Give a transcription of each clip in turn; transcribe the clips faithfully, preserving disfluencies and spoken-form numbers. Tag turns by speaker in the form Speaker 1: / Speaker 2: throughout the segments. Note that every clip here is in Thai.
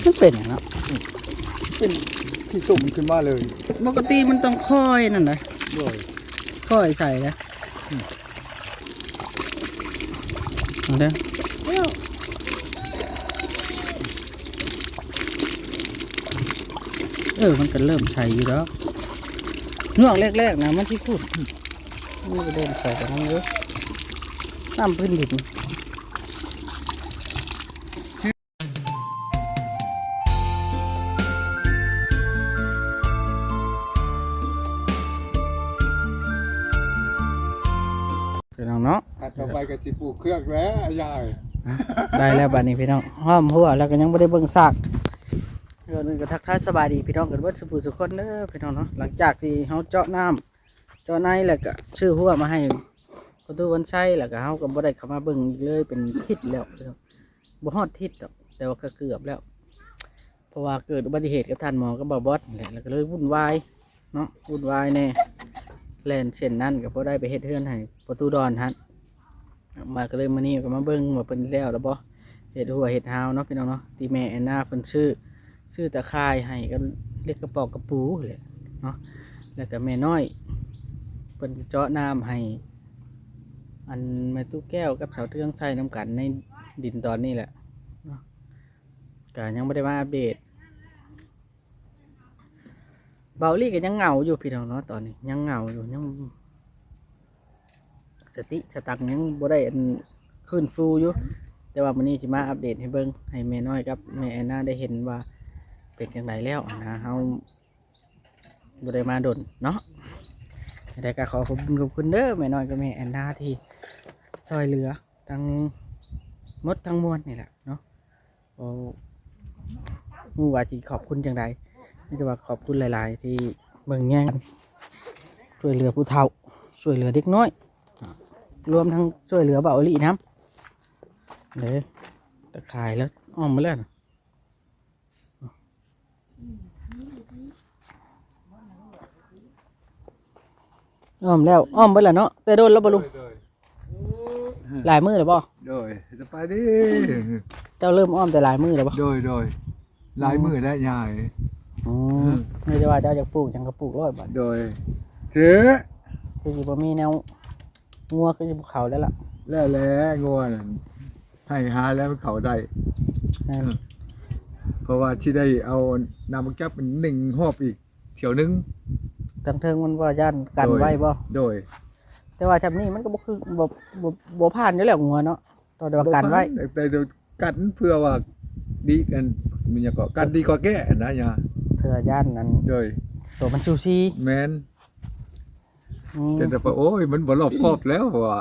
Speaker 1: มันเป็นอย่างนั้น
Speaker 2: เป็นที่ตุ่มขึ้นมาเลย
Speaker 1: ปกติมันต้องค่อยนั่นนะ
Speaker 2: ด้วย
Speaker 1: ค่อยใส่นะเอาเด้อเออมันก็เริ่มใส่อยู่แล้วนวกแรกๆนะมันที่พูดนี่ก็เดินใส่กับมันเยอะน้ำพื้นดินพี่น้องเนาะ
Speaker 2: ถัดต่อไปกับสิปลูกเครื่องแล้วยาย
Speaker 1: ได้แล้วบัดนี้พี่น้องห้อมหัวแล้วก็ยังไม่ได้เบิ่งซากเรื่องนึงก็ทักทายสบายดีพี่น้องกันเบิดสุภูสุคนเด้อพี่น้องเนาะหลังจากที่เฮาเจาะน้ำเจาะในแล้วก็ชื่อหัวมาให้ประตูวันชัยแล้วก็เฮาก็บ่ได้เข้ามาเบิ่งอีกเลยเป็นทิศแล้วพี่น้องบ่ฮอดทิศดอกแต่ว่าก็เกือบแล้วเพราะว่าเกิดอุบัติเหตุกับท่านหมอก็บ่บอสแหละแล้วก็เลยวุ่นวายเนาะวุ่นวายแน่แล่นเช่นนั้นก็บ่ได้ไปเฮ็ดเฮือนให้ประตูดอนฮั่นมาก็เลยมานี่ก็มาเบิ่งว่าเพิ่นแล้วแล้วบ่เฮ็ดหัวเฮ็ดหาวเนาะพี่น้องเนาะที่แม่แอนนาเพิ่นชื่อชื่อตะข่ายให้ก็เรียกกระปอกกระปูเลยเนาะแล้วก็แม่น้อยเพิ่นเจาะน้ำให้อันแม่ตู้แก้วกับสาวเทืองใส่น้ำกันในดินตอนนี้แหละเนาะก็ยังไม่ได้มาอัปเดตเบาลี่ก็ยังเหงาอยู่พี่น้องเนาะตอนนี้ยังเหงาอยู่ยังสติสตังยังบ่ได้อันขึ้นฟูอยู่แต่ว่าวันนี้จะมาอัปเดตให้เบิ่งให้แม่น้อยกับแม่แอนนาได้เห็นว่าเป็นอย่างไรแล้วนะเฮาบ่ได้มาดนเนาะได้ก็ขอขอบคุณขอบคุณเด้อแม่น้อยกับแม่แอนนาที่ซอยเหลือทั้งหมดทั้งมวลนี่แหละเนาะโอ้มูว่าที่ขอบคุณจังใดนี่จะว่าขอบคุณหลาย ๆ ที่เบิ่งแย่งช่วยเหลือผู้เฒ่าช่วยเหลือเด็กน้อยรวมทั้งช่วยเหลือเบาหลีน้ำเลยตะข่ายแล้วอ้อมมาแล้วอ้อมแล้วอ้อมไปแล้วเนาะแต่โดนแล้วบ่ลุงหลายมือแล้วบ่
Speaker 2: โดยจะไปดิ
Speaker 1: เจ้าเริ่มอ้อมแต่หลายมือแล้วบ่
Speaker 2: โดยโดยลายมือได้ยาย
Speaker 1: อืมไม่ได้ว่าเจ้าจะปลูกจังก็ปลูกร้อยบาท
Speaker 2: โดยเจ๊
Speaker 1: คือสิบ่มีแนวงัวคือสิภูเขาแล้วล่ะ
Speaker 2: แล้วแล้วงวนให้หาแล้วเขาได้
Speaker 1: นั่น
Speaker 2: เพราะว่าที่ได้เอานำมาแก้เป็นหนึ่งหอบอีกเที่ยวนึง
Speaker 1: ทั้งเทิงมันว่าย่านกันไว้บ่
Speaker 2: โดย
Speaker 1: แต่ว่าชำนี้มันก็บ่คือบ่บ่บ่ผ่านอยู่แล้วงัวเนาะตอนเดียวกันไว้
Speaker 2: แต่เดี๋ยวกันเพื่อว่าดีกันมันจะก็กันดีกว่าแก้นะยา
Speaker 1: เถื่อย่านนั้น
Speaker 2: โดย
Speaker 1: ตัวมันซูซี
Speaker 2: แมน
Speaker 1: อืม
Speaker 2: แต่แต่โอ้ยมันบ่รอบครอบแล้วว่ะ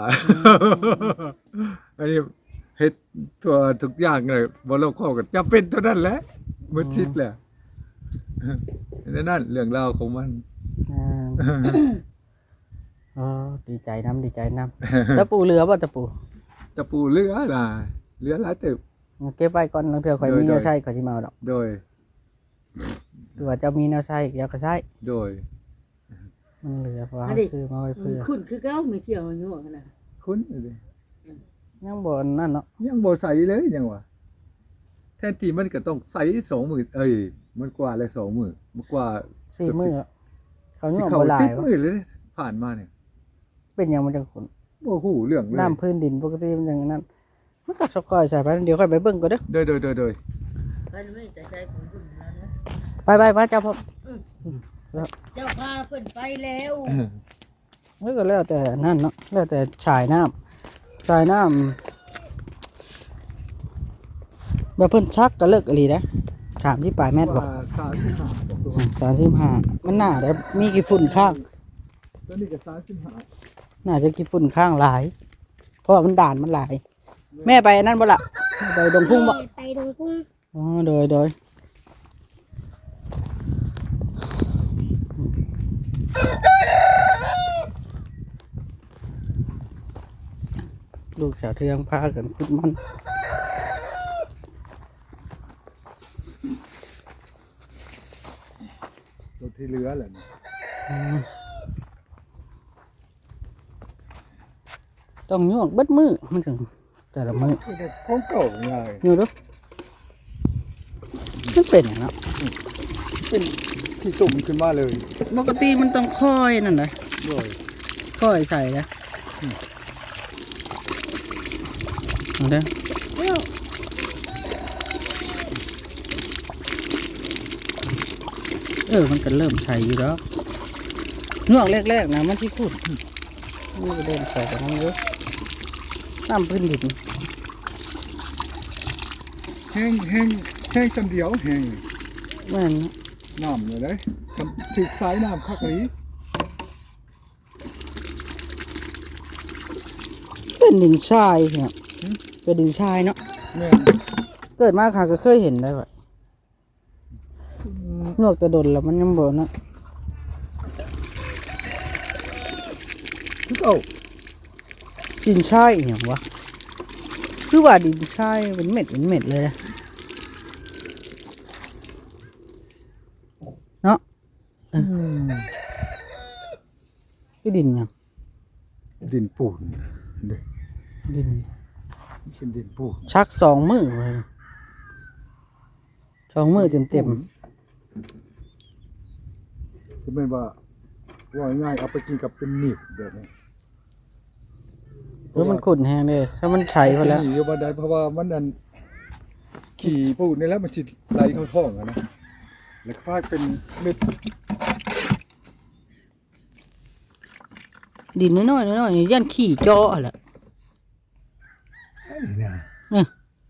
Speaker 2: อันนี้เฮ็ดตัวทุกอย่างเลยบ่รอบครอบกันจำเป็นเท่านั้นแหละมันทิศแหละนั่นเรื่องราวของมัน
Speaker 1: อ่าอ๋อดีใจน้ำดีใจน้ำตะปูเรือบ่ตะปู
Speaker 2: ตะปูเรือล่ะเรือหลายตึก
Speaker 1: เก็บไว้ก่อนลังเทื่อข่อยมี
Speaker 2: โดย
Speaker 1: แนวใช้ข่อยสิมาเอาดอก
Speaker 2: โดย
Speaker 1: คือว่าเจ้ามีแนวใช้เดี๋ยวก็ใช้
Speaker 2: โดย
Speaker 1: มันเหลือเพราะว่า
Speaker 3: อัน
Speaker 1: เรา
Speaker 3: นี้
Speaker 1: ซื้อมาไว้เพื่อ
Speaker 3: คุณคือเก้าไม่เขียวอยู่ขนาด
Speaker 2: คุ้นเลย
Speaker 1: ยังบ่นั่นเนาะ
Speaker 2: ยังบ่ใส่เลยยังวะแทนที่มันก็ต้องใส่สองมือเอ้ยมันกว่าเลยสองมือมันกว่า
Speaker 1: สี่มื้ออะเขา
Speaker 2: สิ
Speaker 1: ย่อม
Speaker 2: เขา
Speaker 1: บ่หลา
Speaker 2: สิ
Speaker 1: ย
Speaker 2: บ
Speaker 1: วะ
Speaker 2: มือเลยผ่านมาเนี่ย
Speaker 1: เป็นหยังมันจังขุน
Speaker 2: บ่ฮู้เรื่องเลย
Speaker 1: น้ำพื้นดินปกติมันอย่างนั้นมันก็สกอยใส่ไปเดี๋ยวค่อยไปเบิ่งก่อนเด้อ
Speaker 2: โดยโดยโดยโดย
Speaker 3: มันไม่แต่ใจของคุณนะนะ
Speaker 1: ไปไปมาเจ้าพ่อ
Speaker 3: เจ้าพาเพิ่นไปแล้ว
Speaker 1: แล้วก็แล้วแต่นั่นเนาะแล้วแต่ชายน้ำชายน้ำแบบเพิ่นชักก็เลิกอะไรนะถามที่ปลายแมทบอก
Speaker 2: ว่าสามสิบห้าบอกตัว
Speaker 1: สามสิบห้ามันน่าจะมีกี่ฝุ่นข้าง
Speaker 2: ตัวนี้ก็สามสิบห้า
Speaker 1: น่าจะกี่ฝุ่นข้างหลาย เพราะว่ามันด่านมันหลาย แม่ไปนั่นบ่ละไปดงพุ่งบ่
Speaker 4: ไปดงพุ่ง
Speaker 1: อ๋อโดยโดยลูกสาวเทืองพากันคุดมัน
Speaker 2: ตัวที่เหลือแหละ
Speaker 1: ต้องยวกเบิดมือมันถึงแต่ละมือ
Speaker 2: นี่แต่ของเก่าไง
Speaker 1: อยู่ดูมันเป็นอย่างเนาะ
Speaker 2: เป็นที่สุ่มขึ้นมาเลย
Speaker 1: ปกติมันต้องค่อยนั่นนะ
Speaker 2: ด้วย
Speaker 1: ค่อยใส่นะเอาเด้อเออมันก็เริ่มใส่อยู่แล้วนวกแรกๆนะมันที่ขุดมันก็เดินใส่กันนั่นเยอะน้ำพื้นดิน
Speaker 2: แห้งแห้งแห้งสันเดียวแห้ง
Speaker 1: แม่น
Speaker 2: น้ำเลยเลยกันถึกสายน้ำคักนี้
Speaker 1: เป็นดินทรายเนี่ยเป็นดินทรายเนาะ
Speaker 2: แม่น
Speaker 1: เกิดมาค่ะก็เคยเห็นได้ว่ะนวกแต่ดนแล้วมันยังบ่นะ
Speaker 2: คือเอา
Speaker 1: ดินทรายอหย่างวะคือว่าดินทรายเป็นเม็ดเป็นเม็ดเลยนะเนาะเออคือดินหยัง
Speaker 2: ดินปูนเด้
Speaker 1: ดิน
Speaker 2: เป็นดินปูน
Speaker 1: ชักสองมือเลยสองมือเต็มเต็ม
Speaker 2: คือเป็นว่าว่าง่ายเอาไปกินกับเป็นหนีบแบบนี้
Speaker 1: ๆแล้วมันขุ่นแห้งเลยถ้ามันไฉไปแล้ว
Speaker 2: หนีอยู่บันไดเพราะว่ามันนั่นขี่ปูนนี่แล้วมันจิไหลเข้าท้องอะนะแล้วก็ฟาดเป็นเม็ด
Speaker 1: ดินน้อยๆน้อยๆนี่ยันขี่เจาะแหละ
Speaker 2: นี่นะ
Speaker 1: เนี่ย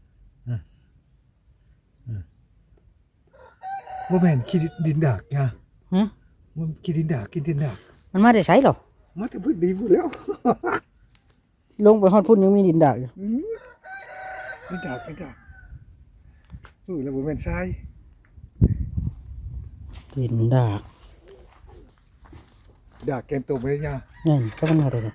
Speaker 2: ว่าแม่นขี้ดินดากไง
Speaker 1: ฮะ
Speaker 2: มันขี้ดินดากกินดินดาก
Speaker 1: มันมาได้ใช้หรอ
Speaker 2: มาแต่พื้นดีพูดแล้ว
Speaker 1: ลงไปฮอดพุ่นยังมีดินดากอยู่
Speaker 2: อืมดินดากดินดากเออแล้วบ่แม่นทราย
Speaker 1: ดินดาก
Speaker 2: ดากแกมตกไปได้ยา
Speaker 1: นั่นก็มันมาได้เลย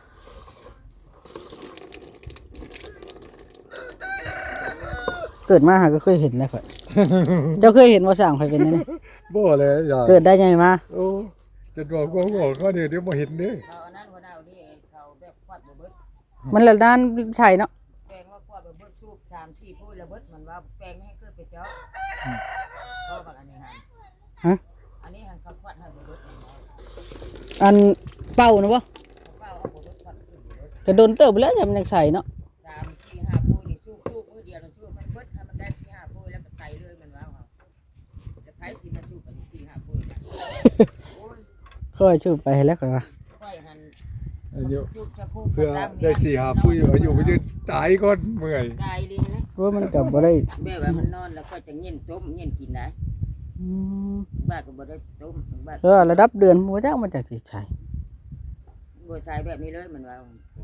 Speaker 1: เกิดมาหาก็เคยเห็นนะครับ เจ้าเคยเห็นว่าสร้างไฟเป็นนี่
Speaker 2: บ่เลยยา
Speaker 1: เกิดได้ไงมา
Speaker 2: โอ้จะบอกว่าบอกเขาเดี๋ยวเดี๋ยวบ่เห็นเด้
Speaker 3: เขาอันนั้นคนเอานี่เขาแบบควัดบ่เบิด
Speaker 1: มันละด้านไทยเนาะ
Speaker 3: แปลงว่าควัดบ่เบิดสูบสามสี่พูดระเบิดมันว่าแปลงให้เกิดไปเจาะก็บางอันนี้หัน
Speaker 1: ฮะ
Speaker 3: อันนี้หันเขาควัดให้บ่เบิดมันว่า
Speaker 1: อันเป่านะวะ
Speaker 3: เขาเป้าเอาบ่เบิดควัดขึ้นบ่เบิด
Speaker 1: จะโดนเติบไปแล้วอย่ามันยังใส่เนาะ
Speaker 3: สามสี่ห้าพูดนี่สูบสูบมือเดียวเราสูบมันเบิดให้มันได้สี่ห้าพูดแล้วก็ใส่เลยมันว่าเอาจะใช้สิมาสูบอันนี้สี่ห้าพูดโอ้ย
Speaker 1: ค่อยชื่อไปให้แล้วค่อยว่า
Speaker 3: ค่อยหัน
Speaker 2: อายุ
Speaker 3: สูบจะพูด
Speaker 2: เพื่อได้สี่หาผู้อยู่อายุไปยืนตายก่อนเมื่อย
Speaker 3: กายดีนะ
Speaker 1: ว่ามันกับบ่ได้
Speaker 3: แบบว่ามันนอนแล้วก็จะเงี้ยนต้มเงี้ยนกินได้
Speaker 1: อืม
Speaker 3: บ้าก็บ่ได้ต้มบ้า
Speaker 1: เออระดับเดือนบ่จักมันจากสิใช้
Speaker 3: บ่ใช้แบบนี้เลยมันว่า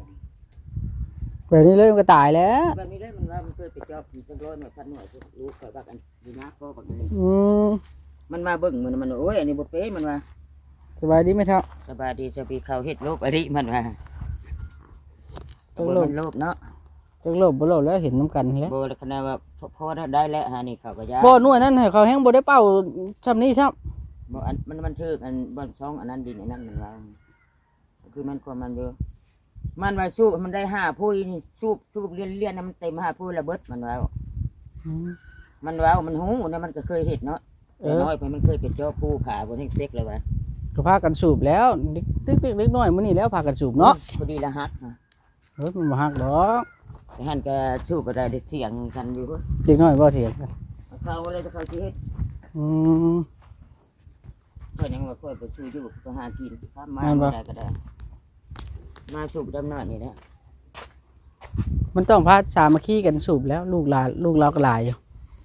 Speaker 1: แบบนี้เลยมันก็ตายแล้ว
Speaker 3: แบบนี้เลยมันว่ามันเคยไปจอบผีจังร้อยหน่วยพันหน่วยรู้ข่อยว่ากันดีนะพ่อบักนี้
Speaker 1: อืม
Speaker 3: มันมาเบิ่งมันมันโอ้ยอันนี้บ่เป๊ะมันว่า
Speaker 1: สบายดีไหมครับ
Speaker 3: สบายดีจะไปเข้าเฮ็ดโลกอริมันว่า
Speaker 1: จั
Speaker 3: บ่
Speaker 1: งโลก
Speaker 3: มันโลภเนาะ
Speaker 1: จังโลบบ่โลบแล้วเห็นน้ำกันแล้ว
Speaker 3: บ่ขนาดว่าพอได้แล้วหานี่เขาก็ยา
Speaker 1: บ่หน่วยนั้นให้เขาแห้งบ่ได้เป่าซ้ำนี้ซ้ำ
Speaker 3: บ่อันมันมันถึกอันบ่ซองอันนั้นดินอันนั้นมันว่าคือมันความมันอยู่มันว่าสู้มันได้ห้าผู้นี่สู้สู้เรียนเรียนมันเต็มห้าผู้ระเบิดมันว่า
Speaker 1: อืม
Speaker 3: มันว่ามันหูนะมันก็เคยเห็นเนาะ
Speaker 1: เอ
Speaker 3: แต่
Speaker 1: อ
Speaker 3: น้อยไปมันเคยเป็นเจ้าผู้ขาบนนี้เต็กเลยวะ
Speaker 1: ก็พากันสูบแล้วเด็กเด็กเล็กน้อยมื้อนี้แล้วพากันสูบเนาะ
Speaker 3: พอดีละฮักนะ
Speaker 1: เฮ้ยมันบ่ฮักดอก
Speaker 3: แต่หันก็สู้ก็ได้ได้เถียงกันอยู่เว้ย
Speaker 1: เด็กน้อยบ่เถียงกัน
Speaker 3: เขาอะไรจะเขาสิเฮ็ด
Speaker 1: อืม
Speaker 3: เพิ่นยังว่าค่อยไปสู้อยู่ก็หากินข้ามมา
Speaker 1: แม่นบ่
Speaker 3: ได้ก็ได้ มาสูบดำน้ำนี่แหละ
Speaker 1: มันต้องพาสามัคคีกันสูบแล้ว ลูกหลานลูกเราก็หลายอยู่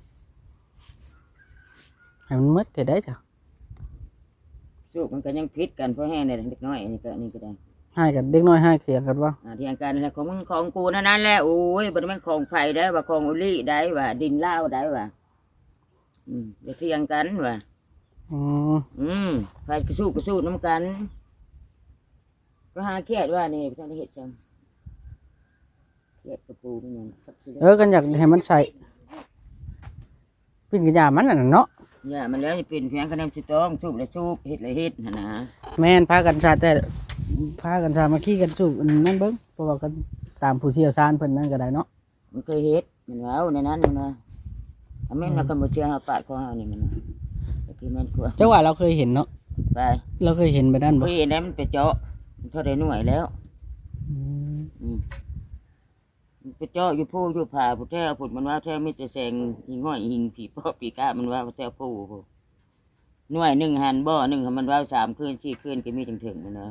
Speaker 1: ให้มันหมดแต่ได้จ้ะ
Speaker 3: สู้มันก็ยังพิษกันเพราะแห้งเนี่ยเด็กน้อยอันนี้ก็อันนี้ก็ได้
Speaker 1: ให้กันเด็กน้อยให้เถียงกันว่า
Speaker 3: อ่าเถียงกันแล้วของมึงของกูนั่นนั่นแหละโอ้ยบ่ได้แม่นของไผได้ว่าของอุลี่ได้ว่าดินลาวได้ว่าอืมเดี๋ยวเถียงกันว่า
Speaker 1: อืม
Speaker 3: อืมใครก็สู้ก็สู้น้ำกัน ก็หาเครียดว่านี่พี่ท่านได้เห็ดจังเครียดกระปูนี่ยังครับสิ
Speaker 1: เออกันอยากให้มันใส่ปิ้นกระยามันน่ะเนาะ
Speaker 3: อย่ามันแล้วจะเป็นเพียงคะแนนสุดต้องสูบและสูบเห็ดและเห็ดหั่นนะ
Speaker 1: แม่นพากันชาแต่พากันสามัคคีกันสูบอันนั่นเบิ่งเพราะว่ากันตามผู้เชี่ยวชาญเพิ่นนั่นก็ได้เนาะ
Speaker 3: มันเคยเห็ดมันว้าวในนั้นมันว่าอันแม่นมากันบ่เชื่อเฮาปาดของเฮานี่มันก็คือแม่นกว่า
Speaker 1: จังหวะเราเคยเห็นเนาะ
Speaker 3: ไป
Speaker 1: เราเคยเห็นไปนั่นบ่
Speaker 3: เฮ้ยนั้นมันไปเจาะมันเท่าได้หน่วยแล้ว
Speaker 1: อืม
Speaker 3: อืมมันไปเจาะอยู่ผู้อยู่ผาผู้แท้ผุดมันว่าแท้มีแต่แสงหิงห้อยหิงผีปอบผีกะมันว่าแท้ผู้ผู้หน่วยหนึ่งหันบ่อหนึ่งมันว่าสามคืนสี่คืนก็มีถึงถึงมันนะ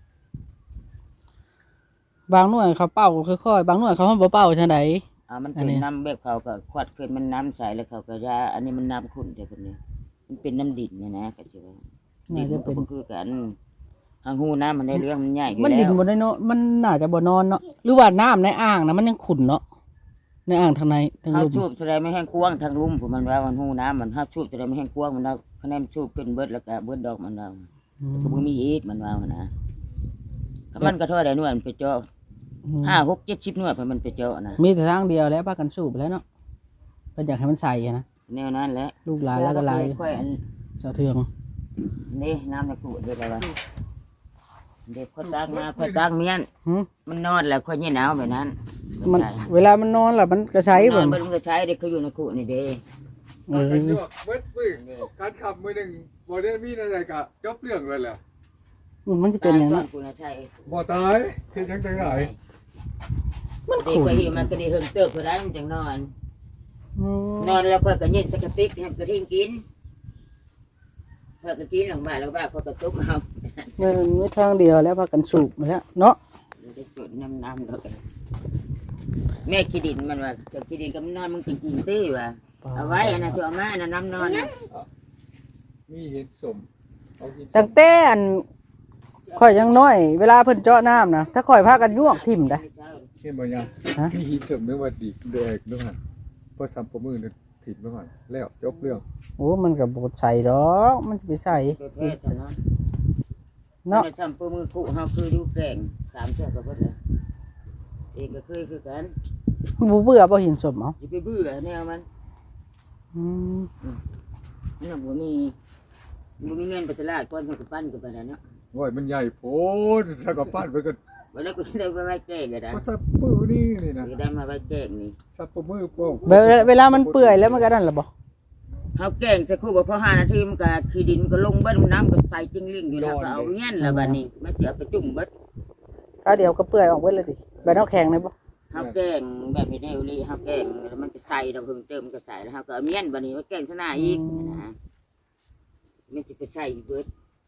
Speaker 1: บางหน่วยเขาเป่าค่อยๆบางหน่วยเขาบ่เป่าจังได๋
Speaker 3: อ่ามัน
Speaker 1: อั
Speaker 3: เป็น น
Speaker 1: นี้
Speaker 3: น้ำแบบเขาก็ควัดขึ้นมันน้ำใสแล้วเขาก็ยาอันนี้มันน้ำขุ่นเดี๋ยวคนนี้มันเป็นน้ำดินเนี่ยนะก็จะว่าดินมันก็บ่คือกันทางหูน้ำมันได้เรื่องมันใหญ่อยู่
Speaker 1: มัน
Speaker 3: แล้
Speaker 1: ดิน
Speaker 3: ว
Speaker 1: บ่ได้เนาะมันน่าจะบ่นอนเนาะหรือว่าน้ำในอ่างนะมันยังขุ่นเนาะในอ่างทางในทาง
Speaker 3: เขา
Speaker 1: ลุ่ม
Speaker 3: ชูบแสดงไม่แห้งกว้างทางลุ่มผมมันว่ามันหูน้ำมันห้าชูบแสดงไม่แห้งกว้างมันเอาคะแนนชูบขึ้นเบิดแล้วก็เบิดดอกมันเอา
Speaker 1: อืม
Speaker 3: ก็บ่มีอีกมันว่านะก็มันก็เท่าได้หน่วยมันไปเจาะ
Speaker 1: อืม
Speaker 3: ห้าหกเจ็ดสิบหน่วยเพราะมันไปเจาะนะ
Speaker 1: มีแต่ทางเดียวแล้วพากันสูบแล้วเนาะเพิ่นอยากให้มันใส่อะนะ
Speaker 3: แนวนั้นแหละ
Speaker 1: ลูกหลายแล้วก็หลาย
Speaker 3: ค่อยอัน
Speaker 1: เจ้าเทือง
Speaker 3: นี่น้ำในกูเด็ดอะไรวะเด็กคนตั้งมาคนตั้งเมียน
Speaker 1: หึ
Speaker 3: มันนอนแล้วคนยี่หนาวแบบนั้น
Speaker 1: มันเวลามันนอนล่ะมันก็ใช้
Speaker 3: น
Speaker 1: บ่
Speaker 3: อนมันก็ใช้เด็กเขาอยู่ในกูนี่เด้
Speaker 1: เออ
Speaker 2: กันยวกเบิดมือการขับมือหนึ่งบ่ได้มีอะไรกะจบเรื่องเลยแหละ
Speaker 1: มันจะเป็นอย่าง
Speaker 3: นั้
Speaker 1: นั้น
Speaker 3: กูนะใช่
Speaker 2: บ่ตายเฮ็ดจังได๋ได้
Speaker 1: มัน
Speaker 3: เด็ก
Speaker 1: ขุ่น
Speaker 3: ก็เห็นมันก็ได้เฮิงเติบเพื่อได้มันจังนอน
Speaker 1: อืม
Speaker 3: นอนแล้วค่อยก็ยืนสกติกให้กระทิ้งกินค่อยก็กินหลังบ้านแล้วบ้านเขาก็ตุกเอา
Speaker 1: มันไม่ทางเดียวแล้วพากันสูบมาแล้วเนาะ
Speaker 3: ได้สูดน้ำน้ำแล้วกันแม่ขี้ดินมันว่าเจ้าขี้ดินก็มันนอนมึงกินกินตี้ว่ะเอาไว้อันนั้นจะเอามาอันนั้นน้ำนอนน่ะ
Speaker 2: มีเห็ดสมเอากิน
Speaker 1: ตั้งแต่อันข่อยยังน้อย เวลาเพิ่นเจาะน้ำนะถ้าข่อยพากันยวกทิ่มได้
Speaker 2: เห็นบ่ยัง
Speaker 1: ฮะ
Speaker 2: มีเห็ดสมนึกว่าดีแดกด้วยหั่นพอซ้ำประมือนึงผิดไปก่อนแล้วจบเรื่อง
Speaker 1: โอ้มันก็บ่ใส่ดอกมันจะไปใส่
Speaker 3: ตัวแท้ซะเนาะ
Speaker 1: เนาะ
Speaker 3: เนาะทำปืมือคู่เฮาคืออยู่แกงสามเทื่อก็เบิดแล้วเองก็เคยคือกัน
Speaker 1: บ่เบื่อบ่เห็นสมเอา
Speaker 3: สิไปบื้อแนวมัน
Speaker 1: อืม
Speaker 3: นี่บ่มีบ่มีเงินไปตลาดก่อนสักปั้นก็ไปแล้วเนาะ
Speaker 2: โอ้ยมันใหญ่โพดสักกะปั้นไปก็
Speaker 3: วันนี้กูจะได้ไปไว้แกงเลยนะ
Speaker 2: มาซับปื้อนี่นี่นะ
Speaker 3: จะได้มาไว้แกงนี่
Speaker 2: ซับประมือโป้ง
Speaker 1: เวลาเวลามันเปื่อยแล้วมันก็นั่นล่ะบ่
Speaker 3: เฮาแกงสักครู่บ่พอห้านาทีมันก็ขี้ดินมันก็ลงเบิดน้ำก็ใส่จิ้งลิ่งอยู่แล้วก็เอาเงี้ยนแล้วบัดนี้มันสิเอาไปจุ่มเบิด
Speaker 1: ถ้าเดี๋ยวก็เปื่อยออกเบิดเลยดิแบบน้ำแข็งเลยบ่
Speaker 3: เฮาแกงแบบนี้ได้เลยเฮาแกงแล้วมันก็ใส่เราเพิ่มเติมมันก็ใส่แล้วเฮาก็เอาเมียนบัดนี้มาแกงซะหน้าอีกนะมันสิไปใส่อีกเบิด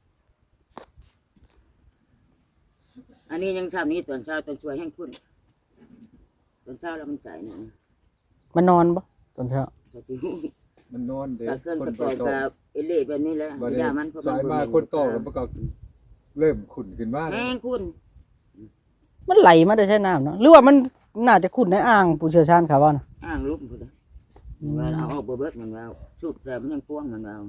Speaker 3: อันนี้ยังทำนี้ตอนเช้าตอนช่วยแห้งขึ้นตอนเช้าแล้วมันใส่นะ
Speaker 1: มันนอนบ่ตอนเช้า
Speaker 3: ก็สิฮู้
Speaker 2: มันนอนเด็ก
Speaker 3: สักเครื่อง
Speaker 2: คน
Speaker 3: ตะ
Speaker 2: ไป
Speaker 3: กอน
Speaker 2: ต่อ
Speaker 3: กับเอเล่แบบนี้แหละ
Speaker 2: บัดนี้
Speaker 3: ยามันเพระ
Speaker 2: สายมาคนต่อแล้วมันก็เริ่มขุ่นขึ้นมาแล้ว
Speaker 3: แห้งคุณ
Speaker 1: มันไหลมาได้ใช่น้ำเนาะหรือว่ามันน่าจะขุ่นในอ่างผู้เชี่ยวชาญเขาว่านะ
Speaker 3: อ้างลุกพุ่นเด้อว่าเอาออกบ่เบิดมันว่าสูบแต่มันยังกว้างมันว่า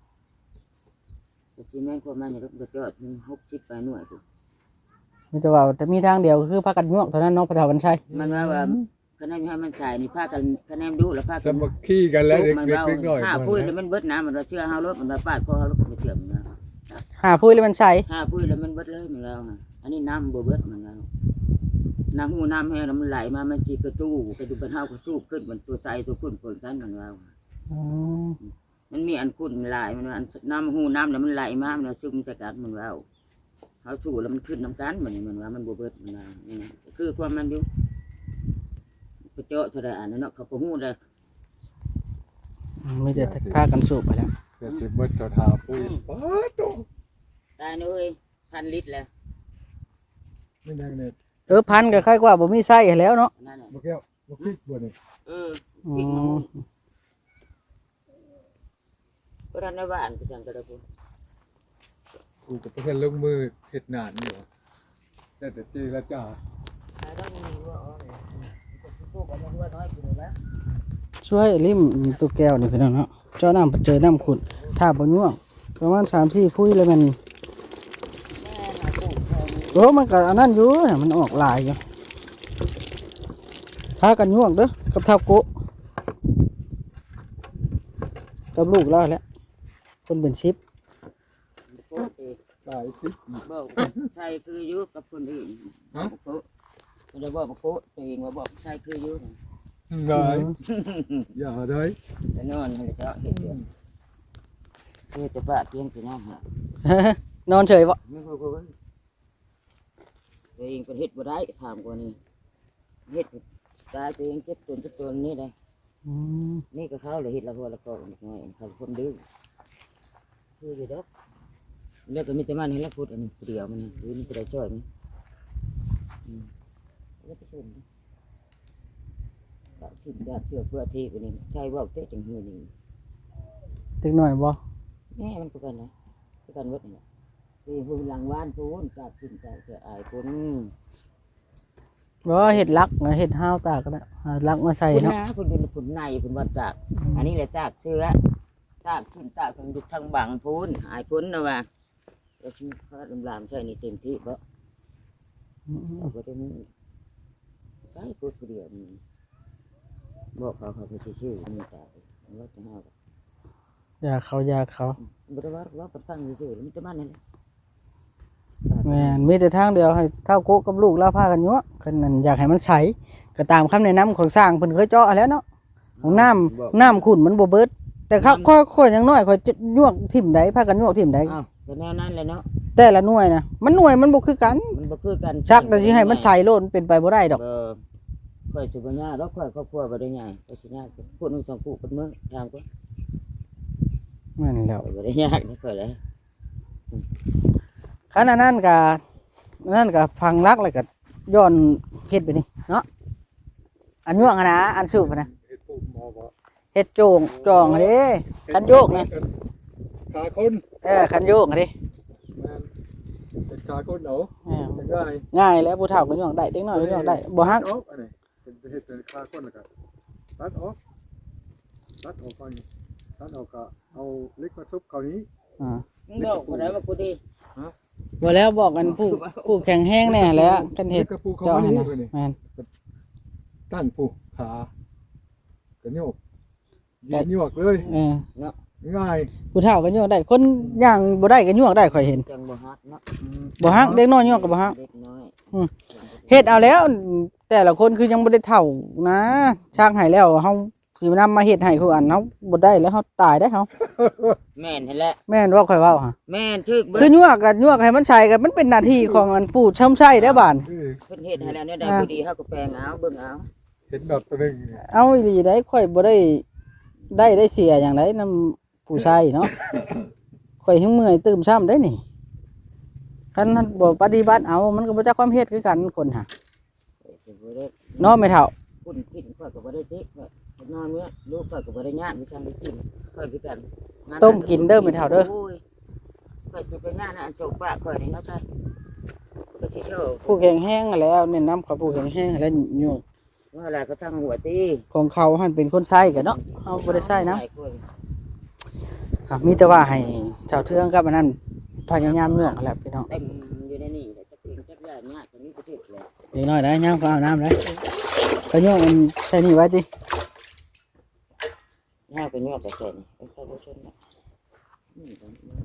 Speaker 3: แต่สิแม่นความมันนี่ก็จอดถึงหกสิบไปหน่วยพุ่น
Speaker 1: มีแต่ว่าแต่มีทางเดียวก็คือพากันยวกเท่านั้นเนาะพระเฒ่าวันชัย
Speaker 3: มันว่าว่าคะแนนให้มันใส่นี่พากันคะแนนดูแล้วพา
Speaker 2: ส
Speaker 3: กัน
Speaker 2: มัครขี้กันแล้วเด็ก
Speaker 3: มัน
Speaker 2: เล็ก
Speaker 3: ว่า
Speaker 2: เล็กน้อย
Speaker 3: ห้า
Speaker 2: มัน
Speaker 3: ปุ้ยแล้ว
Speaker 2: นะ
Speaker 3: มันเบิดน้ำมันว่าเชื่อเฮารถมันว่าปาดคอเฮารถมันเชื่อมนะ
Speaker 1: หาพุ้ยเลยมันใส่
Speaker 3: ห้าปุ้ยแล้วมันเบิดเลยมันแล้วฮะอันนี้น้ำบ่เบิดมันแล้วน้ำหูน้ำแห้งแล้วมันไหลมามันสิกระตู้กระดูกเป็นเฮาก็สู้ขึ้นมันตัวใสตัวขุ่นปนกันมันว่า
Speaker 1: อ๋อ
Speaker 3: มันมีอันขุ่นหลายมันว่าอันน้ำหูน้ำแล้วมันไหลมามันว่าซึมใส่กันมันว่าเขาสู้แล้วมันขึ้นน้ำกันมันนี่มันว่ามันบ่เบิดมันว่านี่นะคือความมันอยู่ไปเจาะเท่าใดอันนั้นเนาะเขาก็ฮู้ได้
Speaker 1: มีแต่พากันสูบไปแล้ว
Speaker 2: เดี๋ยวสิเบิดเจ้าทาปุ้ยป้าโต
Speaker 3: ตายเลยพันลิตรแล้ว
Speaker 2: ไม่นั่งเนี่ย
Speaker 1: เออพันก็ค่อยกว่าบ่มีไส้ให้แล้วเนาะ
Speaker 3: นั่นแหละ
Speaker 2: บ่แก้วบ่พริกบ่นี่
Speaker 3: เออ
Speaker 1: อื
Speaker 3: พริกมะ
Speaker 1: ม
Speaker 3: ม่วงก็ทำในบ้านก็จังก็ได้พูด
Speaker 2: กูก็เพิ่นลงมือเฮ็ดนานอยู่แต่แต่จีละจ้า
Speaker 3: ตายต้องมีว่าอ๋อเนี่ยพวกเอามาหัวน้อยกินแล้ว
Speaker 1: ช่วยริมตัวแก้วนี่พี่น้องเนาะเจ้าน้ำเจอน้ำขุ่นถ้าบ่ยวกประมาณสามสี่พุ้ยเลยมัน
Speaker 3: แม่มาปลูกแถวนี้
Speaker 1: โอ้มันก็อันนั้นอยู่เนี่ยมันออกหลายอยู่พากันยวกเด้อกับเท่าโกะกับลูกแล้วแหละคนเป็นชิป
Speaker 3: ปลูกเอง
Speaker 2: ตายสิ
Speaker 3: บอกใช่คืออยู่กับคนอื่น
Speaker 2: ฮะ
Speaker 3: บอกโกะไม่ได้บอกบอกโกะตัวเองว่าบอกใช่คืออยู่
Speaker 2: ไงอย่าได้
Speaker 3: จะนอนให้เจ้าเห็ดเดียวเพื่อจะปะเตียงพี่น้องฮะ
Speaker 1: นอนเฉยบ่
Speaker 3: ไม่พูดว่าตัวเองเป็นเห็ดบ่ได้ถามกว่านี้เห็ดตายตัวเองเจ็บตัวเจ็บตัวนี่ได้
Speaker 1: อืม
Speaker 3: นี่ก็เขาเลยเห็ดละหัวละก็นิดหน่อยเขาคนดื้อคืออยู่ดอกแล้วก็มีแต่มันให้ละพูดอันนี้เดียวมันนี่คือนี่ก็ได้ช่วยมั้ยอืมแล้วก็ชนก็ชิมยาเชื่อเพื่อที่กันนี่ใช่ว่าเตะจังหื้อนี่
Speaker 1: ตึกหน่อยบ่
Speaker 3: แม่มันก็กันนะก็กันวัดนี่แหละคือหุ่นหลังว่านพูนกาดชิมกาดเชื่ออายคน
Speaker 1: บ่เฮ็ดลักเฮ็ดห้าวตากก็ได้หาลักมาใส่
Speaker 3: คุณ
Speaker 1: เนาะ
Speaker 3: นะคุณดูคุณในคุณวัดจากอันนี้แหละจากเชื้อจากชิมจากทางยุทางบังพูนอายคนนะว่าเราชิมพระลำลามใช่นี่เต็มที่เพราะ
Speaker 1: อืม
Speaker 3: เราก็ต้องใช้พูดเดียวนี่บอกเขาเขาไปชื่อๆมีแต่ว่าจะห้าว
Speaker 1: อยากเขาอยากเขา
Speaker 3: บริวารว่าประทังชื่อๆมันจะมันนั่นแหละ
Speaker 1: แม่นมีแต่ทางเดียวให้เท่าโกะกับลูกลาพากันยั่วกันนั่นอยากให้มันใสก็ตามคำแนะนำของสร้างเพิ่นเคยเจาะแล้วเนาะของน้ำน้ำขุ่นมันบ่เบิดแต่เขาค่อยๆอย่างน้อยค่อยจะยั่วทิ่มใดพากันยั่วทิ่มใด
Speaker 3: อ้าวก็แนวนั้นเลยเนาะ
Speaker 1: แต่ละหน่วยนะมันหน่วยมันบ่คือกัน
Speaker 3: มันบ่คือกัน
Speaker 1: ชักแต่สิให้มันใสโลดมันเป็นไปบ่ได้ดอก
Speaker 3: เออค่อยสุบัญญาแล้วค่อยครอบครัวบ่ได้ใหญ่ก็สิยากพูดนึงสองคู่เป็นมื้อทางก็
Speaker 1: แม่นแล้ว
Speaker 3: บ่ได้ยากนี่ค่อยเลย
Speaker 1: คันอันนั้นก็นั่นก็ฟังรักแล้วก็ย้อนเฮ็ดไปนี่เนาะอันยั่วอะนะอันสูบอะนะ
Speaker 2: เฮ็ดปุ่มบ่บ่
Speaker 1: เฮ็ดโจงจองอะเด้คันโยกนะ
Speaker 2: ขาคน
Speaker 1: เออคันโยกอะเด้
Speaker 2: แม่นเป็นขาคนเอา
Speaker 1: เออ
Speaker 2: จะง่าย
Speaker 1: ง่ายแล้วผู้เฒ่าก็ย่องได้เด็กน้อยก็ย่องได้บ่ฮัก
Speaker 2: ออกอันนี้เป็นเฮ็ดเป็นขาคนแล้วก็ตัดออกตัดออกก่อนตัดออกก็เอาเล็กมาซุบเข้านี้
Speaker 1: อ่า
Speaker 3: มึงบอกบ่ได้ว่ากูดี
Speaker 1: บ่แล้วบอกกันผู้ผู้แข็งแรงแน่แหล้วคันเฮ็ด
Speaker 2: กระปูเข้า
Speaker 1: เจาะ
Speaker 2: มา
Speaker 1: ให้
Speaker 2: นี้
Speaker 1: นะ
Speaker 2: เพิ่นนี่
Speaker 1: แม่น
Speaker 2: ตั้งปูขากระโยกยืนโยกเลย
Speaker 1: เออ
Speaker 2: ง่าย
Speaker 1: ผู้เฒ่าก็ย่องได้คนย่างบ่ได้ก็ย่องได้ข่อยเห็น
Speaker 3: จังบ่ฮักเนาะ
Speaker 1: บ่ฮักเด็กน้อยย่องก็บ่ฮัก
Speaker 3: เด็กน้อย
Speaker 1: เฮ็ดเอาแล้ว แต่ละคนคือยังบ่ได้เฒ่านะช่างให้แล้วเฮาสินำมาเฮ็ดให้คืออันเฮาบ่ได้แล้วเฮาตายได้เฮา
Speaker 3: แม่นหั่นแหละ
Speaker 1: แม่นว่าข่อยเว้าฮะ
Speaker 3: แม่นทึกเบิ
Speaker 1: คือ
Speaker 3: ด
Speaker 1: ยั่วกันยั่วให้มันใช้กันมันเป็นหน้าที่ของอันปู่ช่ำไส้ได้อบาด
Speaker 2: คือ
Speaker 3: เพิ่นเฮ็ดให้แล้วเนี่ยได้ผู้ดีเฮาก็แปลงเอาเบิ่งเอา
Speaker 2: เห็นแบบตัวหนึง
Speaker 1: เอาอีหลีได้ข่อยบ่ได้ได้ได้เสียอย่างไดนำผู้ชายเนาะ ข่อยหิ้งเมื่อยตื่มซ้ำได้นี่คันท่านบ่ปฏิบัติเอามันก็บ่จักความเฮ็ดคือกันคนหา
Speaker 3: สิบ่ได้
Speaker 1: เนาะแม่เฒ่า
Speaker 3: คุณกินข้อยก็บ่ได้ติข้อยนอนเมื่อลูกข้อยก็บ่ได้ยากมีซั่นได้กินข้อยคือกันงาน
Speaker 1: ต้มกินเด้อแม่เฒ่าเด้อ
Speaker 3: โยข้อยสิไปงานอันโชคปากข้อยนี่เนาะใช่ก็สิโชว์
Speaker 1: ผู้แข็งแรงนั่นแหล้วแนะนำกับผู้แข็งแรงแล้วยุ่ง
Speaker 3: ว่าอะไรก็ช่างหัวตี
Speaker 1: ของเขาหั่นเป็นคนใช้กันเนาะเฮาบ่ได้ใช้นะ
Speaker 3: หลายคน
Speaker 1: ครับมีแต่ว่าให้ชาวเทืองกับอันนั้นพยายามยั่วกันแหละพี่น้อง
Speaker 3: เต็มอยู่ในนี่แต่จะเป็นจักรยานยากตรงนี้ก็ถึกเลย
Speaker 1: เด็กน้อยได้ย่างก็เอาน้ำเลยก็ยั่วมันใช้นี่ไว้ติ
Speaker 3: ยากเป็นยอดแต่เสร็จเป็นข้าวโพดชนนะนี่ก็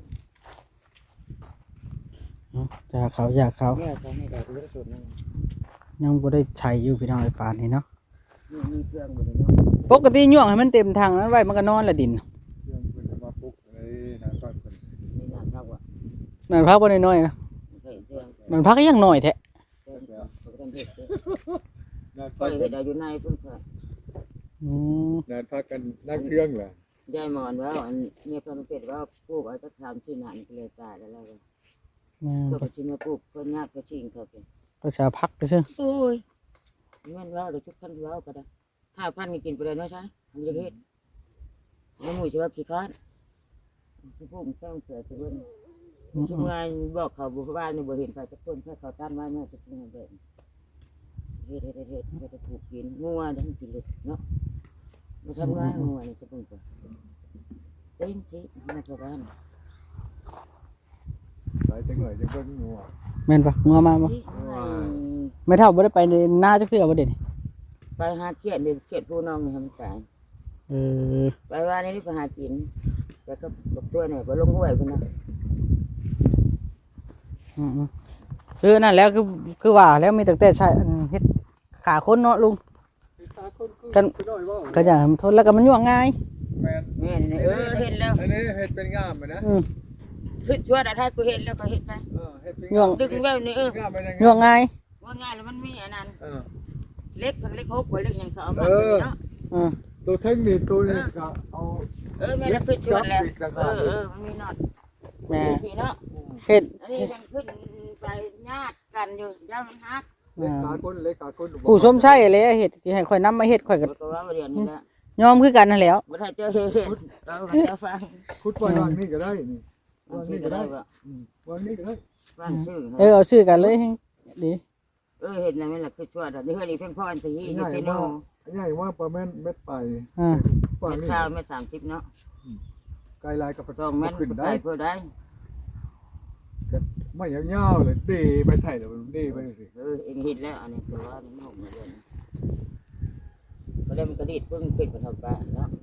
Speaker 1: อยากเขาอยากเขา
Speaker 3: เนี่ยใช้ในใดก็ได้ชนนั่น
Speaker 1: ยังบ่ได้ใช้อยู่พี่น้องไอ้ปานนี่เนาะ
Speaker 3: นี่มีเครื่องอยู่ในนั้น
Speaker 1: ปกติยั่วให้มันเต็มทางนั้นไว้มันก็นอนละดิน
Speaker 2: เรื่องเพิ่นจะมาปลุกเลยนะก่อนเพิ่น
Speaker 3: ในงานเท่าอ่ะ
Speaker 1: นั่นพักบ่น้อยๆนะ
Speaker 3: ใส่เครื่อง
Speaker 1: นั่นพักยังน้อยแท้
Speaker 3: เครื่องก็ต้องเฮ็ดเด้อ
Speaker 2: นั่น
Speaker 3: ไป
Speaker 2: พัก
Speaker 3: เฮ็ดได้อยู่ในเพิ่นค่ะ
Speaker 1: อืม
Speaker 2: นั่นพักกันนั่งเครื่องแหละ
Speaker 3: ยายหมอนว่าอันเนี่ยเพิ่นเป็ดว่าปลูกเอาจักสามสี่หานก็เลยตายแล้วแล้วก็
Speaker 1: แม่
Speaker 3: ก็ไปชิมมาปลูกเพิ่นยากก็ชิงเขาเป็น
Speaker 1: ก็จะพักไปซื่อ
Speaker 3: โอ้ยแม่นว่าเดี๋ยวทุกท่านว่าก็ได้ห้าพันก็กินไปเลยเนาะใช่ทำยังเฮ็ดน้ำหมูสิว่าขี้ค้านผู้ผู้มันต้องเสือจะเบิ่งชิมงานบอกเขาบุบ้านนี่บ่เห็นใครจะคนแค่เขาตั้นไว้แม่จะชิมแบบเฮ็ดเฮ็ดเฮ็ดเฮ็ดก็จะปลูกกินงัวได้กินเลยเนาะมาทำงานงัวนี่จะเบิ่งก่อนเต็มที่มาชาวบ้าน
Speaker 2: หลายจังหน่อยจังเบิ่งงัว
Speaker 1: แม่นปะงัวมาบ่ไม่เท่าบ่ได้ไปในนาจักเทื่อบ่เด้นี่
Speaker 3: ไปหาเขียดเดี๋ยวเขียดผู้น้องนี่ทำตาย
Speaker 1: เออ
Speaker 3: ไปว่านี่ไปหากินแต่ก็บอกตัวเนี่ยไปลงห้วยพุ่นนะ
Speaker 1: อืมๆคือนั่นแล้วคือคือว่าแล้วมีตั้งแต่ใช้อันเฮ็ดขาคนเนาะลุง
Speaker 2: ตาคนคือ
Speaker 1: กัน
Speaker 2: ไปหน่อยบ่
Speaker 1: ก็อย่างทนแล้วก็มันย่วงง่าย
Speaker 2: แม่น
Speaker 3: แม่นี่เออเห็นแล้ว
Speaker 2: อันนี้เฮ็ดเป็นงามอะนะ
Speaker 1: อืม
Speaker 3: คือชั่วแต่ถ้ากูเห็นแล้วก็เห็นใจ
Speaker 2: เออเฮ็ดเป็น
Speaker 1: ย่วง
Speaker 3: ดึงไว้นี่เออ
Speaker 2: งามไปได้
Speaker 1: ย่วงง่าย
Speaker 3: ว่าง่ายแล้วมันมีอันนั้น
Speaker 2: เออ
Speaker 3: เล็กกับเล็กหกกว่าเล็กยังเขาเอามา
Speaker 2: เออ
Speaker 3: เนาะ
Speaker 1: อืม
Speaker 2: ตัวเทคนิคตัวนี้ก็เอา
Speaker 3: เออแม่แล้วคือชั่วแล้วเออเออมันมีน็อต
Speaker 1: แม่
Speaker 3: พี่เนาะ
Speaker 1: เฮ็ด
Speaker 3: อันนี้ยังขึ้นไปญาติกันอยู่ย่ามันฮัก
Speaker 2: เล็กขาก้นเล็กขาก้น
Speaker 1: ผู้ชมใช่เลยเฮ็ดสิให้ข่อยนำมาเฮ็ดข่อยก็
Speaker 3: ก็ว่าเรียนนี่แหละ
Speaker 1: ยอมคือกันนั่นแหล้ว
Speaker 3: บ่ได้เจอเห็นเราจะฟัง
Speaker 2: คุดปล่อยวางนี่ก็ได้นี่
Speaker 3: วาว
Speaker 2: าง ง
Speaker 3: นี่
Speaker 2: นี่
Speaker 3: ก็
Speaker 2: ก็
Speaker 3: ได้
Speaker 2: ได้
Speaker 3: ว่า
Speaker 2: อืมวางนี่ก็ได้
Speaker 3: วางชื่อ
Speaker 1: เออเอาชื่อกันเลยดี
Speaker 3: เออเห็นแล้วแม่ล่ะคือชั่วดอกนี่เฮ้ยนี่เพิ่นพ่ออันสิ
Speaker 2: ให
Speaker 3: นี่
Speaker 2: ญ่
Speaker 3: สิโน
Speaker 2: ว่าใหญ่ว่าประมาณเม็ดไต
Speaker 1: อ่า
Speaker 2: ฝั่ง
Speaker 3: เม็ด
Speaker 2: นี้
Speaker 3: เช้าเม็ดสามสิบเนาะ
Speaker 2: ไกลลายกับ
Speaker 3: สองเม็ด
Speaker 2: ขึ้น
Speaker 3: ไป
Speaker 2: ได้
Speaker 3: เพื่อได้
Speaker 2: ไม่ยาวๆเลยเดไปใส่เดี๋ยวมันเดไปสิ
Speaker 3: เออเองเห็นแล้วอันนี้คือว่ามันหกมาเลยก็เลยมันกระดิดเพิ่งปิดมันออกไปเนาะ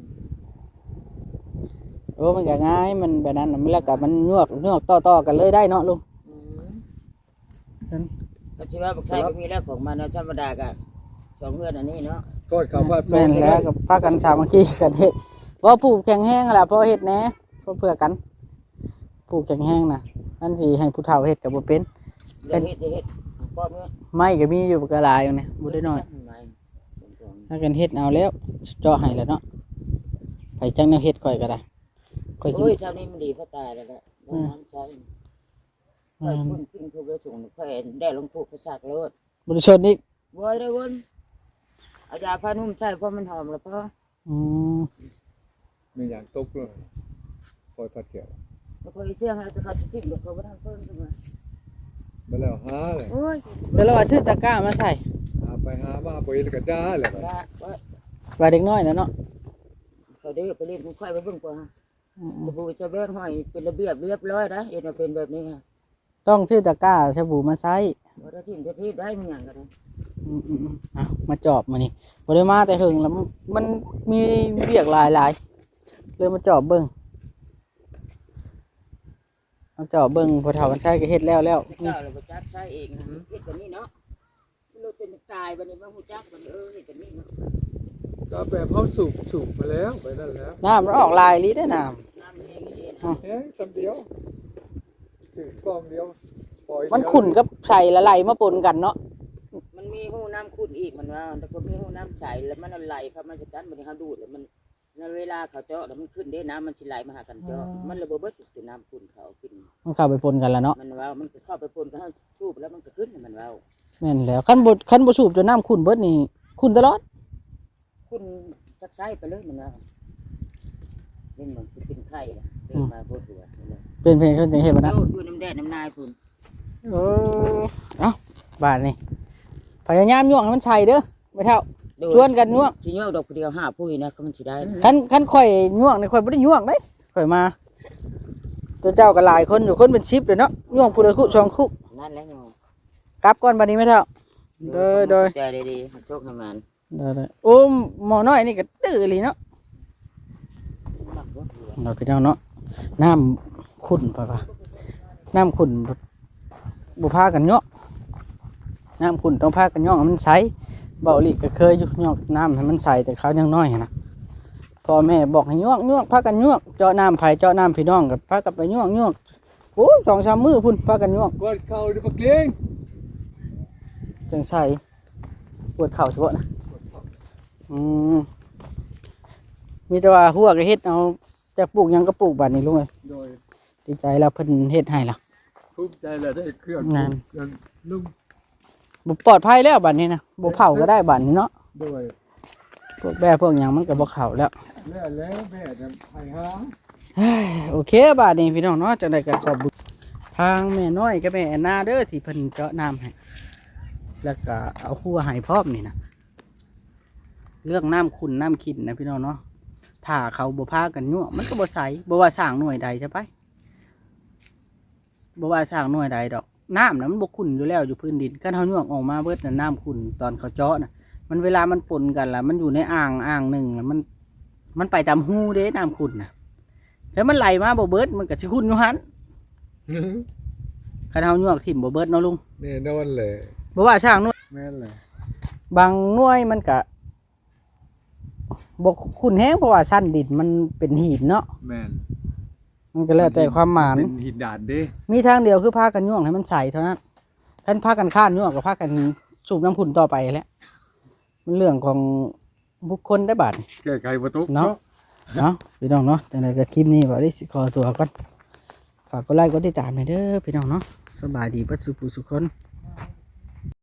Speaker 1: โอ้มันก็ง่ายมันแบบนั้นน่ะมันแล้วก็มันยวกยวกต่อๆกันเลยได้เนาะลุง
Speaker 3: ก็ชื่อว่าบุกชายก็มีแล้วของมันเนาะธรรมดาก็สองเพื่อนอันนี้เนาะ
Speaker 2: ก็คำว่า
Speaker 1: แม่นแล้วก็พากันสามัคคีกันเฮ็ดเพราะผู้แข็งแห้งแหละเพราะเฮ็ดแหน่เพราะเพื่อกันผู้แข็งแห้งน่ะอันที่ให้ผู้เฒ่าเฮ็ดก็บ่เป็น
Speaker 3: เดี๋ยวเฮ็ดเดี๋ยวเฮ็ดป้อมเงี้ย
Speaker 1: ไม้ก็มีอยู่ก็หลายอยู่เนี่ยบ่ได้น้อยถ้ากันเฮ็ดเอาแล้วเจาะให้แล้วเนาะไปจังแนวเฮ็ดข่อยก็ได้ข่อยสิ
Speaker 3: โอ้ยเจ้านี่มันดีเพราะตายแล้วแหละน้ำใช้ค่อยพุ่นขึ้นทุกเรื่องสูงค่อยได้ลงทุกกระชักรถ
Speaker 1: บ่ได้ชนอีก
Speaker 3: บ่ได้วนอาจารย์พานุ่มใช่เพราะมันหอมแล้วเพราะ
Speaker 1: อืม
Speaker 2: มีอย่างตกด้วยคอยพัดเกี่ยว
Speaker 3: แล้วค่อยเสี่ยงให้จะเขาสิทิ้งแล้วก็บ่ทันเพิ่นขึ้นมา
Speaker 2: มาแล้วหาเลย
Speaker 3: โอ้ย
Speaker 1: เดี๋ยวเราเอาชื่อตะกร้ามาใส่
Speaker 2: หาไปหามาไปแล้วก็ด่าเลย
Speaker 3: ว่าว่า
Speaker 1: ไว้เด็กน้อยนะเนาะ
Speaker 3: เขาได้ไปเล่นค่อยไปเบิ่งกว่า
Speaker 1: อืม
Speaker 3: สบู่จะแบ่งให้เป็นระเบียบเรียบร้อยนะเอ็นเป็นแบบนี้ค่ะ
Speaker 1: ต้องชื่อตะกร้าสบู่มาใส่
Speaker 3: บ่ได้ทิ้งจะทิ้งได้มันหยังก็ได้
Speaker 1: อืมอืมอืมเอามาจอบมานี่บ่ได้มาแต่หึงแล้วมันมันมีเรียกหลายหลายเลยมาจอบเบิ่งมาจอบเบิ่งพอเฒ่ากันใช้ก็เฮ็ดแล้วแล้ว
Speaker 3: เจ้าเราบ่จักใช้เองนะเฮ็ดแบบนี้เนาะเราเป็นตายบัดนี้บ่ฮู้จักบัดเออเฮ็ดแบบนี้เนาะ
Speaker 2: ก็แบบเขาสูบสูบมาแล้วไปนั่นแล้ว
Speaker 1: น้ำมันออกลายลิได้อน้
Speaker 3: น้ำเองนี่นะ
Speaker 2: เฮ้ยสำเดียวถือกล้องเดียวปล่อย
Speaker 1: ำมันขุ่นกับใส่ละไหลมาปนกันเนาะ
Speaker 3: มันมีหูน้ำขุ่นอีกมันว่าแล้วก็มีหูน้ำใสแล้วมันไหลเข้ามาจากกันบัดนี้เฮาดูดแล้วมันในเวลาเขาเจาะแล้วมันขึ้นเด้น้ำมันสิไหลมาหากันเจาะมันระเบิดเบิดตัวน้ำขุ่นเขาขึ้น
Speaker 1: มันเข้าไปปนกันแล้วเนาะ
Speaker 3: มันว่ามันเข้าไปปนกันเฮาสูบแล้วมันก็ขึ้นมันว่า
Speaker 1: แม่นแล้วคันบ่คันบ่สูบจนน้ำขุ่นเบิดนี่ขุ่นตลอด
Speaker 3: คุณจักใช้ไปเลยมันว่าเล่นมันเป็นไข่ละเดินมาโคตรตัวเลย
Speaker 1: เป็นเพลงเขาจังเฮ็ดบ่นะ
Speaker 3: โอ้ดูน้ำแดดน้ำนายคุณ
Speaker 1: โอ้เอ้าบาดนี่พยายามย่วงให้มันใช่เด้อไม่เท่า ชวนกันย่วง
Speaker 3: สิย่วงดอกเดียวห้าปุ้ยนะก็มันสิได้
Speaker 1: คันคันข่อยย่วงนี่ข่อยบ่ได้ย่วงเด้ข่อยมาตัวเจ้าก็หลายคนอยู่คนเป็นสิบเลยเนาะย่วงผู้ละคุสองคุ
Speaker 3: นั่นแหละเนาะ
Speaker 1: กลับก่อนบัดนี้ไม่เท่าโดยโดย
Speaker 3: ใจดีๆโชคให้มัน
Speaker 1: โดยโดยโอ้หมอน้อยนี่ก็ดื้ออีหลีเนาะเราพี่น้องเนาะน้ำขุ่นป่ะป่ะน้ำขุ่นบ่บ่พากันย่องน้ำขุ่นต้องพากันย่องให้มันใสเบาหลีก็เคยอยู่ย่องน้ำให้มันใสแต่เขายังน้อยนะพ่อแม่บอกให้ย่องย่องพากันย่องเจาะน้ำไผ่เจาะน้ำพี่น้องกับพากันไปย่องย่องโอ้ยสองสามมื้อพุ่นพากันย่อง
Speaker 2: กดเข่าดิปะเกียง
Speaker 1: จังใส่ปวดเข่าเฉพาะนะอืมมีแต่ว่าหัวก็เฮ็ดเอาแต่ปลูกหยังก็ปลูกบัดนี้ลุงเอ้ย
Speaker 2: โดย
Speaker 1: ดีใจแล้วเพิ่นเฮ็ดให้ล่ะ
Speaker 2: ภูมิใจแล้วได้เครื่อง
Speaker 1: งาน
Speaker 2: นุ่ม
Speaker 1: บ่ปลอดภัยแล้วบัดนี้นะบ่เผาก็ได้บัดนี้เนาะ
Speaker 2: โดย
Speaker 1: พวกแบ่พวกหยังมันก็บ่เข้าแล้ว
Speaker 2: แล้วแล้วแม่จะให้หา
Speaker 1: เฮ้ยโอเคบัดนี้พี่น้องเนาะจังได๋ก็ขอบคุณทางแม่น้อยกับแม่แอนนาเด้อที่เพิ่นเจาะน้ำให้แล้วก็เอาหัวให้พร้อมนี่นะเรื่องน้ำขุ่นน้ำขินนะพี่น้องเนาะถ้าเขาบ่พากันยั่วมันก็บ่ใสบ่ว่าสร้างหน่วยใดใช่ไปบ่ว่าสร้างหน่วยใดดอกน้ำน่ะมันบ่ขุ่นอยู่แล้วอยู่พื้นดินกันเฮายั่วออกมาเบิดน่ะน้ำขุ่นตอนเขาเจาะน่ะมันเวลามันปนกันล่ะมันอยู่ในอ่างอ่างหนึงแล้วมัน มันไปตามหูเด้น้ำขุ่นน่ะแล้วมันไหลมาบ่เบิดมันก็สิขุ่นอยู่หั่นคันเฮายั่วทิ่มบ่เบิดเนาะลุง
Speaker 2: แน่นอนเลย
Speaker 1: บ่ว่าสร้างหน่วย
Speaker 2: แม่นเลย
Speaker 1: บางหน่วยมันก็บ่คุ้นแฮงเพราะว่าชั้นดินมันเป็นหินเนาะ
Speaker 2: แม่น
Speaker 1: มันก็แล้วแต่ความหมาน
Speaker 2: เป็นหินดาดเด้
Speaker 1: มีทางเดียวคือพากันย่วงให้มันใสเท่านั้นคันพากันข้านย่วงก็พากันสูบน้ำขุ่นต่อไปแหล้วมันเรื่องของบุคคลได้บาด
Speaker 2: แก้ไขบ่ตก
Speaker 1: เนาะ เนาะพี่น้องเนาะจังไดก็คลิปนี้บ่ได้สิขอตัวก่อนฝากกดไลค์กดติดตามหน่อยเด้อพี่น้องเนาะสบายดีเบิดสุขผู้สุขคน
Speaker 2: ส